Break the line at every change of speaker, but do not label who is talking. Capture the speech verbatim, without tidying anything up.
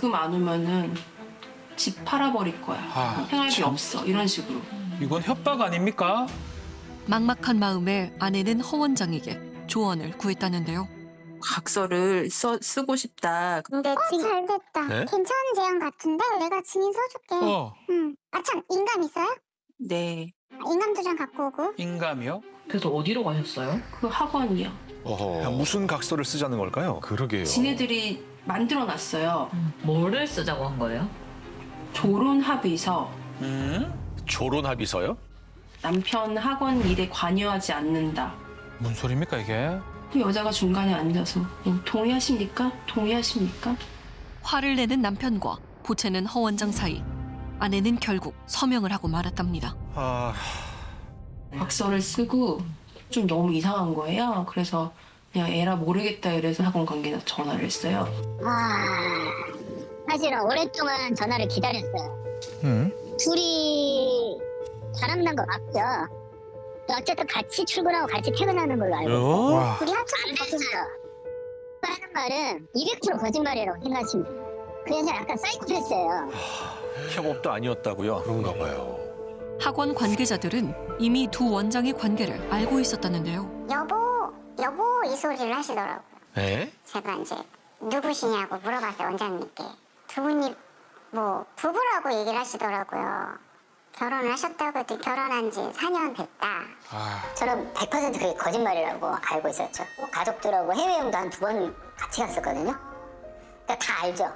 지금 안 오면은 집 팔아버릴 거야.
아,
생활비
참.
없어. 이런 식으로.
이건 협박 아닙니까?
막막한 마음에 아내는 허 원장에게 조언을 구했다는데요.
각서를 써, 쓰고 싶다.
근데
어,
지금
잘 됐다.
네?
괜찮은 제안 같은데? 내가 증인 써줄게.
어,
응. 아, 참, 인감 있어요?
네.
아, 인감도 좀 갖고 오고.
인감이요?
그래서 어디로 가셨어요?
그 학원이요.
야, 무슨 각서를 쓰자는 걸까요? 그러게요.
지네들이 만들어놨어요.
뭐를 쓰자고 한 거예요?
조론 합의서.
음?
조론 합의서요?
남편 학원 일에 관여하지 않는다.
뭔 소리입니까 이게?
그 여자가 중간에 앉아서 어, 동의하십니까? 동의하십니까?
화를 내는 남편과 보채는 허 원장 사이. 아내는 결국 서명을 하고 말았답니다.
아,
각서를 쓰고 좀 너무 이상한 거예요. 그래서 그냥 에라 모르겠다 이래서 학원 관계자 전화를 했어요.
와. 사실은 오랫동안 전화를 기다렸어요.
음?
둘이 바람난 거 맞죠? 어쨌든 같이 출근하고 같이 퇴근하는 걸로 알고 있어요.
어?
와,
우리 합쳐서 됐어요. 하는 말은 이백 퍼센트 거짓말이라고 생각하시면 돼요. 그래서 약간 사이코패스예요.
협업도 아니었다고요? 그런가 봐요.
학원 관계자들은 이미 두 원장의 관계를 알고 있었다는데요.
여보, 여보 이 소리를 하시더라고요.
에?
제가 이제 누구시냐고 물어봤어요, 원장님께. 두 분이 뭐 부부라고 얘기를 하시더라고요. 결혼을 하셨다고 했더니 결혼한 지 사 년 됐다.
아,
저는 백 퍼센트 그게 거짓말이라고 알고 있었죠. 가족들하고 해외여행도 한 두 번 같이 갔었거든요. 그러니까 다 알죠.